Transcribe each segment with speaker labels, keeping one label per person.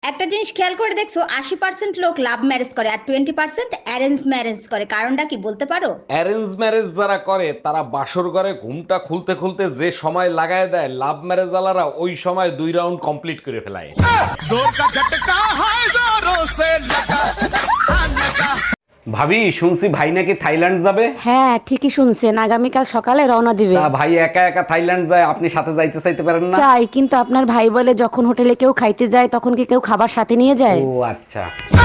Speaker 1: একটা জিনিস খেয়াল করে দেখছো, 80% লোক লাভ ম্যারেজ করে আর 20% অ্যারেঞ্জ ম্যারেজ করে। কারণটা কি বলতে পারো?
Speaker 2: অ্যারেঞ্জ ম্যারেজ যারা করে তারা বাসর ঘরে ঘুমটা খুলতে খুলতে যে সময় লাগায় দেয়, লাভ ম্যারেজ ওয়ালারা ওই সময় 2 রাউন্ড কমপ্লিট করে ফেলায়। ভাবি, শুনছি ভাই নাকি থাইল্যান্ড যাবে।
Speaker 3: হ্যাঁ ঠিকই শুনছেন, আগামীকাল সকালে রওনা দিবে।
Speaker 2: তা ভাই একা একা থাইল্যান্ড যায়, আপনি সাথে যাইতে চাইতে পারেন না?
Speaker 3: চাই, কিন্তু আপনার ভাই বলে যখন হোটেলে কেউ খাইতে যায় তখন কি কেউ খাবার সাথে নিয়ে যায়?
Speaker 2: ও আচ্ছা।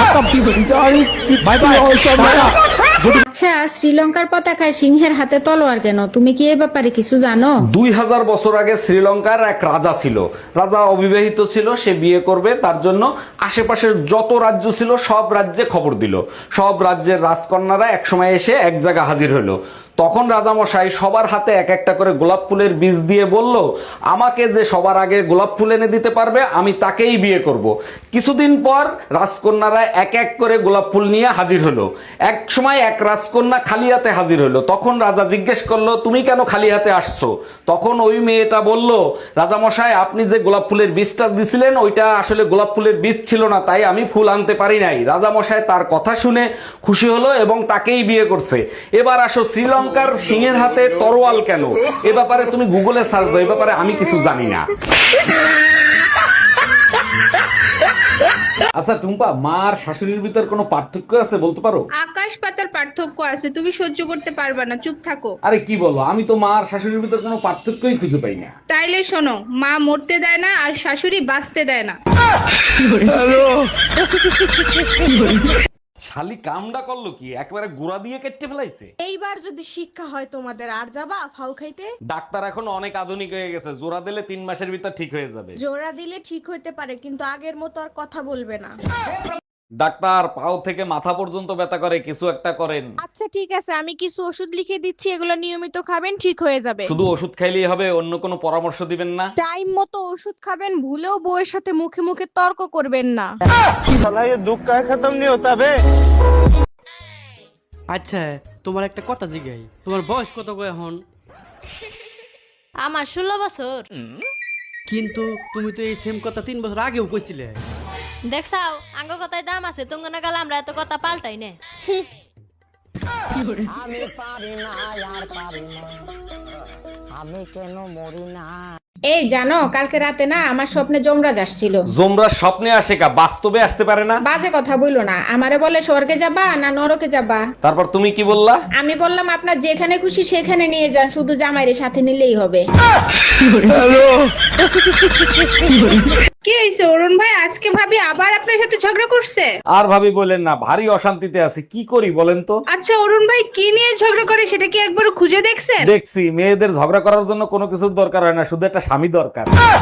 Speaker 4: আচ্ছা, শ্রীলঙ্কার পতাকায় সিংহের হাতে তলোয়ার কেন? তুমি কি এই ব্যাপারে কিছু জানো?
Speaker 2: 2000 বছর আগে শ্রীলঙ্কার এক রাজা ছিল। রাজা অবিবাহিত ছিল, সে বিয়ে করবে, তার জন্য আশেপাশের যত রাজ্য ছিল সব রাজ্যে খবর দিল। সব রাজ্যের রাজকন্যারা একসময় এসে এক জায়গায় হাজির হলো। তখন রাজামশাই সবার হাতে এক একটা করে গোলাপ ফুলের বীজ দিয়ে বলল, আমাকে যে সবার আগে গোলাপ ফুল এনে দিতে পারবে আমি তাকেই বিয়ে করব। কিছুদিন পর রাজকন্যারা এক এক করে গোলাপ ফুল নিয়ে হাজির হলো। এক সময় এক রাজকন্যা খালি হাতে হাজির হলো। তখন রাজা জিজ্ঞেস করলো, তুমি কেন খালি হাতে আসছো? তখন ওই মেয়েটা বলল, রাজামশাই আপনি যে গোলাপ ফুলের বীজটা দিছিলেন ওইটা আসলে গোলাপ ফুলের বীজ ছিল না, তাই আমি ফুল আনতে পারি নাই। রাজামশাই তার কথা শুনে খুশি হলো এবং তাকেই বিয়ে করছে। এবার আসো, শ্রীলঙ্কার সিংহের হাতে তরোয়াল কেন? এ ব্যাপারে তুমি গুগলে সার্চ দাও, এ ব্যাপারে আমি কিছু জানি না। আচ্ছা টুম্পা, মা আর শাশুড়ির ভিতর কোনো পার্থক্য আছে বলতে পারো?
Speaker 5: আকাশ পাতার পার্থক্য আছে, তুমি সহ্য করতে পারবে না, চুপ থাকো।
Speaker 2: আরে কি বলো, আমি তো মা আর শাশুড়ির ভিতর কোনো পার্থক্যই খুঁজে পাই না।
Speaker 5: তাইলে শোনো, মা মরতে দেয় না আর শাশুড়ি বাঁচতে দেয় না।
Speaker 2: শালি কামডা করলো কি, একবারে গুড়া দিয়ে কেটে ফেলাইছে।
Speaker 6: এইবার যদি শিক্ষা হয় তোমাদের, আর যাবা ফাউ খাইতে?
Speaker 2: ডাক্তার এখন অনেক আধুনিক হয়ে গেছে, জোড়া দিলে 3 মাসের ভিতর ঠিক হয়ে যাবে।
Speaker 6: জোড়া দিলে ঠিক হইতে পারে, কিন্তু আগের মতো আর কথা বলবে না।
Speaker 2: ডাক্তার, পাও থেকে মাথা পর্যন্ত ব্যথা করে, কিছু একটা করেন।
Speaker 6: আচ্ছা ঠিক আছে, আমি কিছু ওষুধ লিখে দিচ্ছি, এগুলো নিয়মিত খাবেন, ঠিক হয়ে যাবে।
Speaker 2: শুধু ওষুধ খাইলেই হবে? অন্য কোনো পরামর্শ দিবেন না?
Speaker 6: টাইম মতো ওষুধ খাবেন, ভুলেও বউয়ের সাথে মুখে মুখে তর্ক করবেন না।
Speaker 7: আচ্ছা, তোমার একটা কথা জিগাই, তোমার বয়স কত গো এখন?
Speaker 8: আমার 16 বছর।
Speaker 7: কিন্তু তুমি তো এই সেম কথা 3 বছর আগেও কইছিলে।
Speaker 8: দেখছাও, আঙ্গ কথায় দাম আছে, তুঙ্গ না গেলে আমরা এত কথা পাল্টাই না।
Speaker 4: এই জানো, কালকে রাতে না আমার স্বপ্নে যমরাজ আসছিল।
Speaker 2: জোমরা স্বপ্নে আসে কা, বাস্তবে আসতে পারে না?
Speaker 4: বাজে কথা বইলো না, আমারে বলে স্বর্গে যাবা না নরকে যাবা।
Speaker 2: তারপর তুমি কি বললা?
Speaker 4: আমি বললাম আপনার যেখানে খুশি সেখানে নিয়ে যান, শুধু জামাইরে সাথে নিলেই হবে।
Speaker 5: কি হয়েছে অরুণ ভাই, আজকে ভাবি আবার আপনার সাথে ঝগড়া করছে?
Speaker 2: আর ভাবি বলেন না, ভারী অশান্তিতে আছি, কি করি বলেন তো?
Speaker 5: আচ্ছা অরুণ ভাই, কি নিয়ে ঝগড়া করে সেটা কি একবার খুঁজে দেখছেন?
Speaker 2: দেখছি, মেয়েদের ঝগড়া করার জন্য কোনো কিছুর দরকার হয় না, শুধু একটা স্বামী দরকার।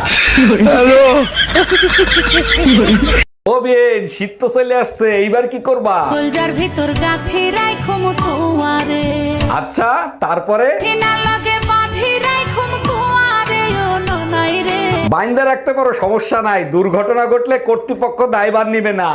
Speaker 2: ও বেন, শীত তো চলে আসছে, এইবার কি করবা?
Speaker 3: গুলজার ভিতর গাথি রাইখো মুতুয়ারে,
Speaker 2: আচ্ছা, তারপরে?
Speaker 3: না লাগে বাঁধি রাইখো মুতুয়ারে ও ননাই রে।
Speaker 2: বাইন্দা রাখতে পারো, সমস্যা নাই, দুর্ঘটনা ঘটলে কর্তৃপক্ষ দায়ভার নিবে না।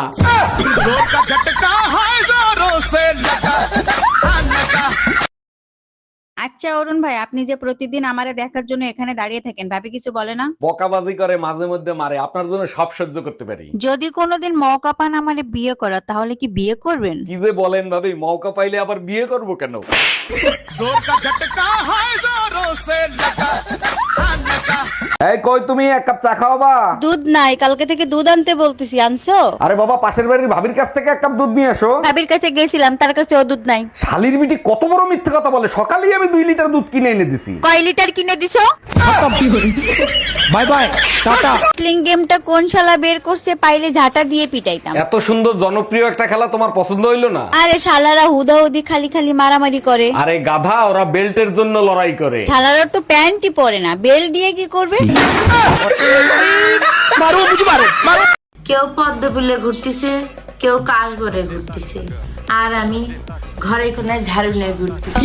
Speaker 1: আচ্ছা অরুণ ভাই, আপনি যে প্রতিদিন আমারে দেখার জন্য এখানে দাঁড়িয়ে থাকেন, ভাবি কিছু বলে না?
Speaker 2: বকাবাজি করে, মাঝে মধ্যে মারে, আপনার জন্য সব সহ্য করতে পারি।
Speaker 1: যদি কোনোদিন মৌকা পান আমারে বিয়ে করা, তাহলে কি বিয়ে করবেন?
Speaker 2: কি যে বলেন ভাবি, মৌকা পাইলে আবার বিয়ে করব কেন? এই কই তুমি, এক কাপ চা খাওয়াবা?
Speaker 9: দুধ নাই, কালকে থেকে দুধ আনতে বলতেছি, আনছো?
Speaker 2: আরে বাবা, পাশের বাড়ির ভাবির কাছ থেকে এক কাপ দুধ নিয়ে আসো।
Speaker 9: ভাবির কাছে গেছিলাম, তার কাছেও দুধ নাই।
Speaker 2: শালির বিটি কত বড় মিথ্যে কথা বলে, সকালেই আমি 2 লিটার দুধ কিনে এনে দিছি।
Speaker 9: কয় লিটার কিনে দিছো?
Speaker 7: By bye, tata.
Speaker 9: স্লিং গেমটা কোন শালা বের করছে, পাইলে ঝাঁটা দিয়ে পিটাইতাম।
Speaker 2: এত সুন্দর জনপ্রিয় একটা খেলা তোমার পছন্দ হইলো না?
Speaker 9: আরে শালারা হুদাহুদি খালি খালি মারামারি করে।
Speaker 2: আরে গাধা, ওরা বেল্টের জন্য লড়াই করে।
Speaker 9: শালারা তো প্যান্টই পরে না, বেল দিয়ে কি করবে?
Speaker 10: কেউ পদ্ম ফুলে ঘুরতেছে, কেউ কাশ ভরে ঘুরতেছে, আর আমি ঘরে কোনায় ঝাড়ু নিয়ে ঘুরতেছি।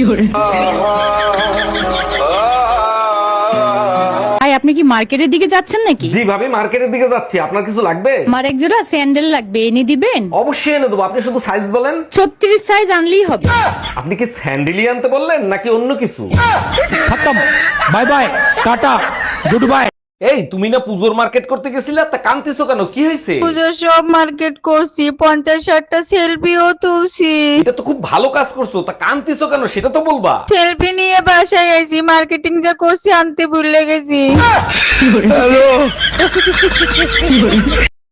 Speaker 3: ভাই, আপনি কি মার্কেটের দিকে যাচ্ছেন নাকি?
Speaker 2: জি ভাবি, মার্কেটের দিকে যাচ্ছি, আপনার কিছু লাগবে?
Speaker 3: আমার এক জোড়া স্যান্ডেল লাগবে, এনে দিবেন?
Speaker 2: অবশ্যই এনে দেবো, আপনি শুধু সাইজ বলেন।
Speaker 3: 36 সাইজ আনলেই হবে।
Speaker 2: আপনি কি স্যান্ডেলি আনতে বললেন নাকি অন্য কিছু?
Speaker 7: Bye bye, tata, good bye.
Speaker 2: এই তুমি না পুজোর মার্কেট করতে গেছিলে, তা কান্তিছো কেন, কি হয়েছে?
Speaker 6: পুজোর সব মার্কেট করছি, 50-60টা সেলফিও তুলছি।
Speaker 2: এটা তো খুব ভালো কাজ করছো, তা কান্তিছো কেন সেটা তো বলবা।
Speaker 6: সেলফি নিয়ে বাসায় গেছি, মার্কেটিং যা করছি আনতে ভুলে গেছি।